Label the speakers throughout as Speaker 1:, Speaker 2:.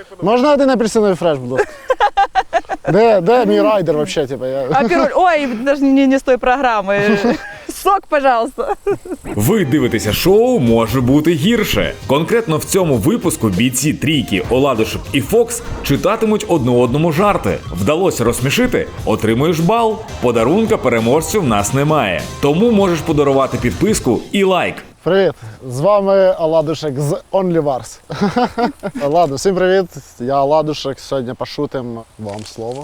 Speaker 1: Можна один апельсиновий фреш, будь ласка? Де мій райдер взагалі? Типу,
Speaker 2: А піроль, ой, даже не з тої програми. Сок, пожалуйста.
Speaker 3: Ви дивитеся шоу «Може бути гірше». Конкретно в цьому випуску бійці трійки Оладушек і Фокс читатимуть одне одному жарти. Вдалося розсмішити? Отримуєш бал. Подарунка переможцю в нас немає. Тому можеш подарувати підписку і лайк.
Speaker 1: Привіт! З вами Оладушек з OnlyWars. Ладно, всім привіт! Я Оладушек. Сьогодні пошутим. Вам слово.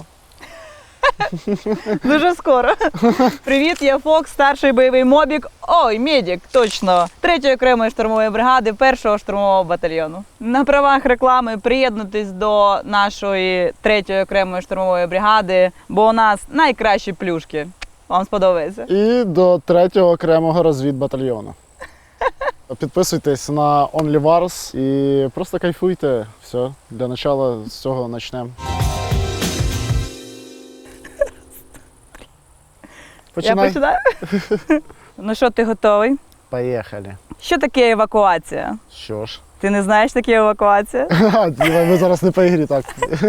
Speaker 2: Дуже скоро. Привіт, я Фокс, старший бойовий мобік. Ой, медик, точно. 3-ї окремої штурмової бригади 1-го штурмового батальйону. На правах реклами приєднуйтесь до нашої 3-ї окремої штурмової бригади, бо у нас найкращі плюшки. Вам сподобається?
Speaker 1: І до 3-го окремого розвідбатальйону. Підписуйтесь на OnlyWars і просто кайфуйте. Все, для початку з цього почнемо. Починай.
Speaker 2: Я починаю? Ну що, ти готовий?
Speaker 1: Поїхали.
Speaker 2: Що таке евакуація?
Speaker 1: Що ж?
Speaker 2: Ти не знаєш, таке евакуація?
Speaker 1: Ви зараз не по ігрі, так.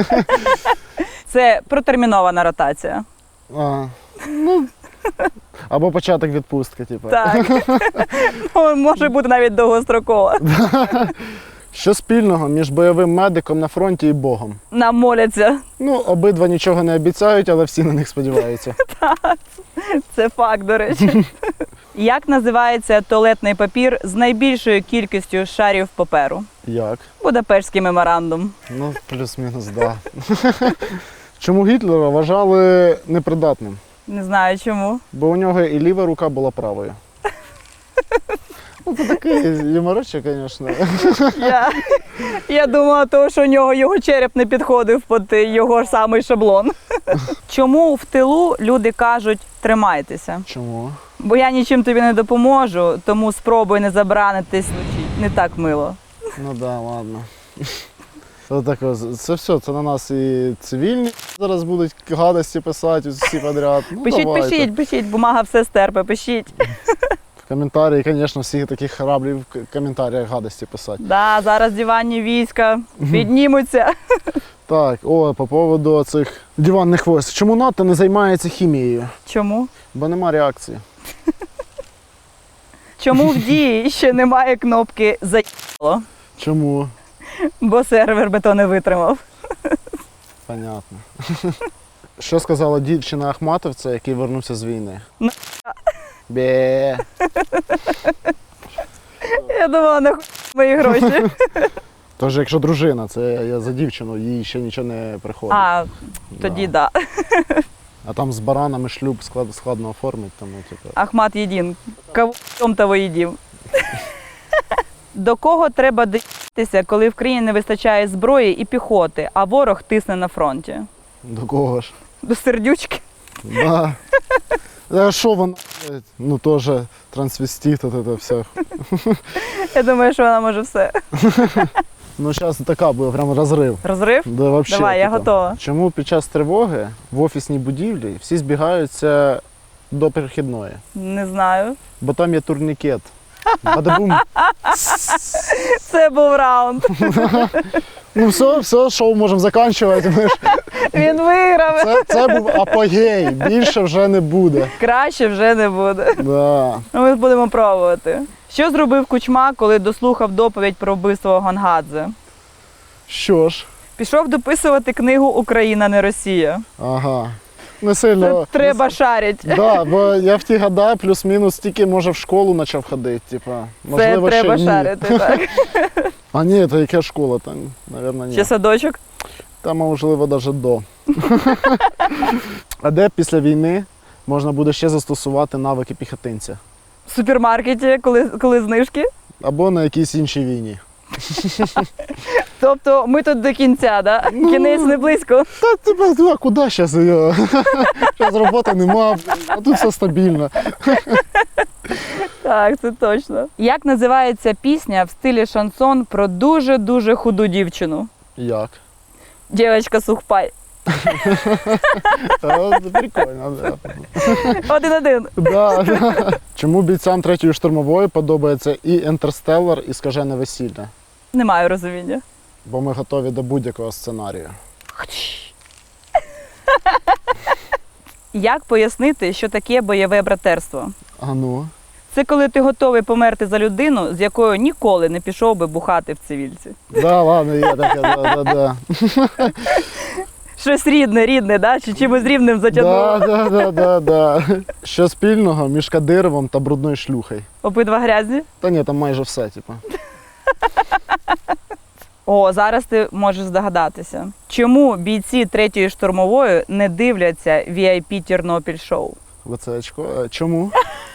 Speaker 2: Це протермінована ротація.
Speaker 1: Ну, або початок відпустки, типу.
Speaker 2: Так. Ну, може бути навіть довгострокова.
Speaker 1: Що спільного між бойовим медиком на фронті і Богом?
Speaker 2: Нам моляться.
Speaker 1: Ну, обидва нічого не обіцяють, але всі на них сподіваються.
Speaker 2: Це факт, до речі. Як називається туалетний папір з найбільшою кількістю шарів паперу?
Speaker 1: Як?
Speaker 2: Будапештський меморандум.
Speaker 1: Ну, плюс-мінус, да. Чому Гітлера вважали непридатним?
Speaker 2: Не знаю чому.
Speaker 1: Бо у нього і ліва рука була правою. Ну, це такий юморочок, звісно.
Speaker 2: Я думала, того, що у нього його череп не підходив під його ж самий шаблон. Чому в тилу люди кажуть «тримайтеся»?
Speaker 1: Чому?
Speaker 2: Бо я нічим тобі не допоможу, тому спробуй не забранитись, не так мило.
Speaker 1: Ну да, ладно. Це все, це на нас і цивільні зараз будуть гадості писати всі підряд. Ну,
Speaker 2: Пишіть, бумага все стерпе, пишіть.
Speaker 1: В коментарі, звісно, всі такі храблі в коментарях гадості писати.
Speaker 2: Да, зараз диванні війська піднімуться.
Speaker 1: Так, по поводу цих диванних військ. Чому НАТО не займається хімією?
Speaker 2: Чому?
Speaker 1: Бо нема реакції.
Speaker 2: Чому в дії ще немає кнопки «Заїбало»?
Speaker 1: Чому?
Speaker 2: Бо сервер би то не витримав.
Speaker 1: Понятно. Що сказала дівчина Ахматовця, який вернувся з війни? Бе.
Speaker 2: Я думала, нахуй мої гроші.
Speaker 1: Тож, якщо дружина, це я за дівчину, їй ще нічого не приходить.
Speaker 2: А, тоді да.
Speaker 1: А там з баранами шлюб складно оформити, тому типу.
Speaker 2: Ахмат єдин. Кого того їдів. До кого треба доїтися, коли в країні не вистачає зброї і піхоти, а ворог тисне на фронті?
Speaker 1: До кого ж?
Speaker 2: До сердючки?
Speaker 1: Да. А що вона? Ну теж трансвестит, це все.
Speaker 2: Я думаю, що вона може все.
Speaker 1: Ну зараз така буде прям розрив.
Speaker 2: Розрив?
Speaker 1: Да, вообще,
Speaker 2: Давай, я
Speaker 1: типу.
Speaker 2: готова.
Speaker 1: Чому під час тривоги в офісній будівлі всі збігаються до перехідної?
Speaker 2: Не знаю.
Speaker 1: Бо там є турнікет. Бадабум.
Speaker 2: Це був раунд.
Speaker 1: Ну все, шоу можемо закінчувати.
Speaker 2: Він виграв.
Speaker 1: Це був апогей, більше вже не буде.
Speaker 2: Краще вже не буде.
Speaker 1: Да.
Speaker 2: Ну, ми будемо пробувати. Що зробив Кучма, коли дослухав доповідь про вбивство Гонгадзе?
Speaker 1: Що ж?
Speaker 2: Пішов дописувати книгу «Україна, не Росія».
Speaker 1: Ага. Не сильно.
Speaker 2: Це треба шарить.
Speaker 1: Да, бо я в ті года плюс-мінус тільки, може, в школу почав ходити. Типа,
Speaker 2: Це
Speaker 1: можливо,
Speaker 2: треба
Speaker 1: ще
Speaker 2: шарити, так.
Speaker 1: А ні, то яка школа там, мабуть, ні.
Speaker 2: Ще садочок?
Speaker 1: Там, можливо, навіть до. А де після війни можна буде ще застосувати навики піхотинця?
Speaker 2: В супермаркеті, коли знижки?
Speaker 1: Або на якійсь іншій війні.
Speaker 2: Тобто ми тут до кінця, да? Кінець не близько.
Speaker 1: Та тебе, куди зараз його? Зараз роботи нема, а тут все стабільно.
Speaker 2: Так, це точно. Як називається пісня в стилі шансон про дуже-дуже худу дівчину?
Speaker 1: Як?
Speaker 2: Дівчинка сухпай.
Speaker 1: Прикольно, да.
Speaker 2: 1-1.
Speaker 1: Да. Чому бійцям 3-ї штурмової подобається і «Інтерстеллар», і «Скажене весілля»?
Speaker 2: Не маю розуміння.
Speaker 1: бо ми готові до будь-якого сценарію.
Speaker 2: Як пояснити, що таке бойове братерство?
Speaker 1: А ну?
Speaker 2: Це коли ти готовий померти за людину, з якою ніколи не пішов би бухати в цивільці.
Speaker 1: Да, ладно, є таке, да.
Speaker 2: Щось рідне, да? Чи чимось рівним затягнуло?
Speaker 1: Да. Що спільного між Кадировим та брудною шлюхою?
Speaker 2: Обидва грязні?
Speaker 1: Та ні, там майже все, типу.
Speaker 2: О, зараз ти можеш здогадатися. Чому бійці 3-ї штурмової не дивляться VIP Тернопіль шоу?
Speaker 1: Оце очко. Чому?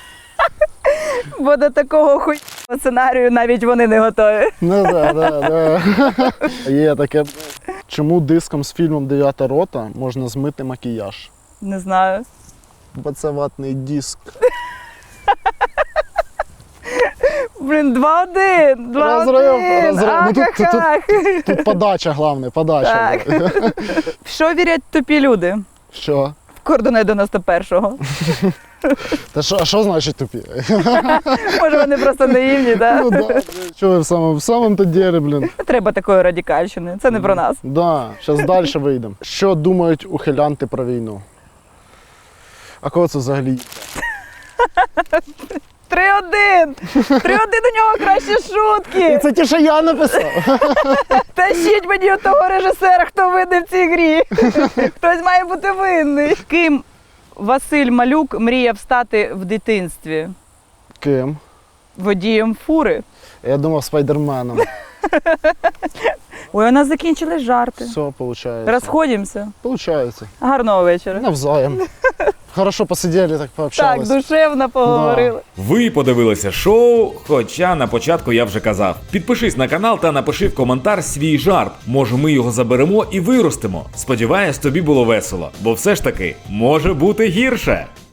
Speaker 2: Бо до такого хуйного сценарію навіть вони не готові.
Speaker 1: Ну да. Є таке. Чому диском з фільмом «Дев'ята рота» можна змити макіяж?
Speaker 2: Не знаю.
Speaker 1: Бо це ватний диск.
Speaker 2: Блін, 2-1. 2-1.
Speaker 1: Розрив. Ну,
Speaker 2: Ахахах.
Speaker 1: Тут подача, головне, подача.
Speaker 2: Так. В що вірять тупі люди?
Speaker 1: Що?
Speaker 2: В кордони 91-го.
Speaker 1: Та що значить тупі?
Speaker 2: Може, вони просто наївні, так?
Speaker 1: Ну да. Чого в самому то ділі, блін.
Speaker 2: Не треба такої радикальщини. Це не про нас.
Speaker 1: Да, зараз далі вийдемо. Що думають ухилянти про війну? А кого це взагалі?
Speaker 2: 3-1. 3-1 у нього кращі шутки.
Speaker 1: Це ті, що я написав.
Speaker 2: Тащіть мені у того режисера, хто винний в цій грі. Хтось має бути винний. Ким Василь Малюк мріяв стати в дитинстві?
Speaker 1: Ким?
Speaker 2: Водієм фури.
Speaker 1: Я думав спайдерменом.
Speaker 2: Ой, у нас закінчились жарти.
Speaker 1: Все, виходить.
Speaker 2: Розходимося.
Speaker 1: Получається.
Speaker 2: Гарного вечора.
Speaker 1: Навзаєм. Хорошо посиділи, так
Speaker 2: Так,
Speaker 1: пообщались.
Speaker 2: душевно поговорили.
Speaker 3: Ви подивилися шоу, хоча на початку я вже казав. Підпишись на канал та напиши в коментар свій жарт. Може, ми його заберемо і виростимо. Сподіваюсь, тобі було весело, бо все ж таки може бути гірше.